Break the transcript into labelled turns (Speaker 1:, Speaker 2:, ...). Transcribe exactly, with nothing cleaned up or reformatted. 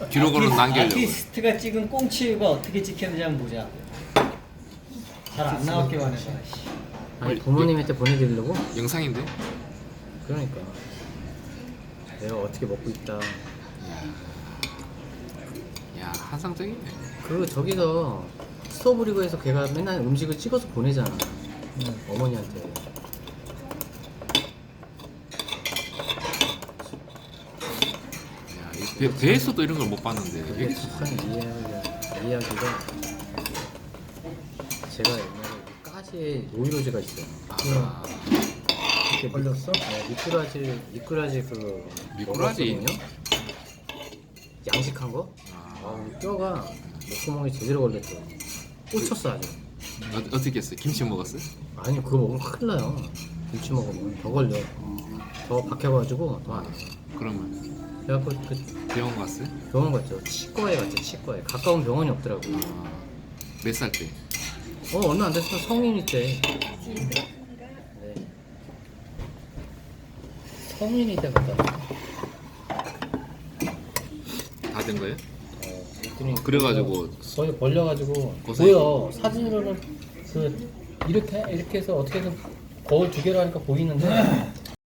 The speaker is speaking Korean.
Speaker 1: 기록으로 남기려고.
Speaker 2: 아티스트가 찍은 꽁치가 어떻게 찍혔는지 한번 보자. 잘 안 나왔기만 해서. 씨.
Speaker 3: 아니 부모님한테 보내드리려고?
Speaker 1: 영상인데?
Speaker 3: 그러니까 내가 어떻게 먹고 있다.
Speaker 1: 야, 환상적이네.
Speaker 3: 그 저기서 스토브리그에서 걔가 맨날 음식을 찍어서 보내잖아.
Speaker 2: 응.
Speaker 3: 어머니한테.
Speaker 1: 야, 이 배, 배에서도 이런 걸 못 봤는데.
Speaker 3: 그게
Speaker 1: 이게
Speaker 3: 북한 이야기가 이야기가 제가 옛날에 까지에 노이로제가 있어요.
Speaker 1: 아,
Speaker 3: 이렇게
Speaker 2: 걸렸어?
Speaker 3: 네, 미꾸라지 미꾸라지 그
Speaker 1: 미꾸라지?
Speaker 3: 먹었거든요? 양식한 거?
Speaker 1: 아,
Speaker 3: 아, 뼈가 목구멍에 제대로 걸렸어. 꽂혔어 아주.
Speaker 1: 어, 어떻게 했어요? 김치 먹었어요?
Speaker 3: 아니 그거 먹으면 큰일 나요. 김치 먹으면 더 걸려. 더 박혀가지고 더 안 돼.
Speaker 1: 그러면
Speaker 3: 그래갖고 그
Speaker 1: 병원 갔어요?
Speaker 3: 병원 갔죠. 치과에 갔죠. 치과에. 가까운 병원이 없더라고.
Speaker 1: 아, 몇 살 때?
Speaker 3: 어 얼마 안 됐어. 성인이 때. 네. 성인이 때 갔다 왔어.
Speaker 1: 다 된 거예요?
Speaker 3: 어, 그랬더니
Speaker 1: 그래가지고
Speaker 3: 거의 벌려가지고
Speaker 1: 고생했어.
Speaker 3: 보여. 사진으로는 그 이렇게 이렇게 해서 어떻게든 거울 두 개로 하니까 보이는데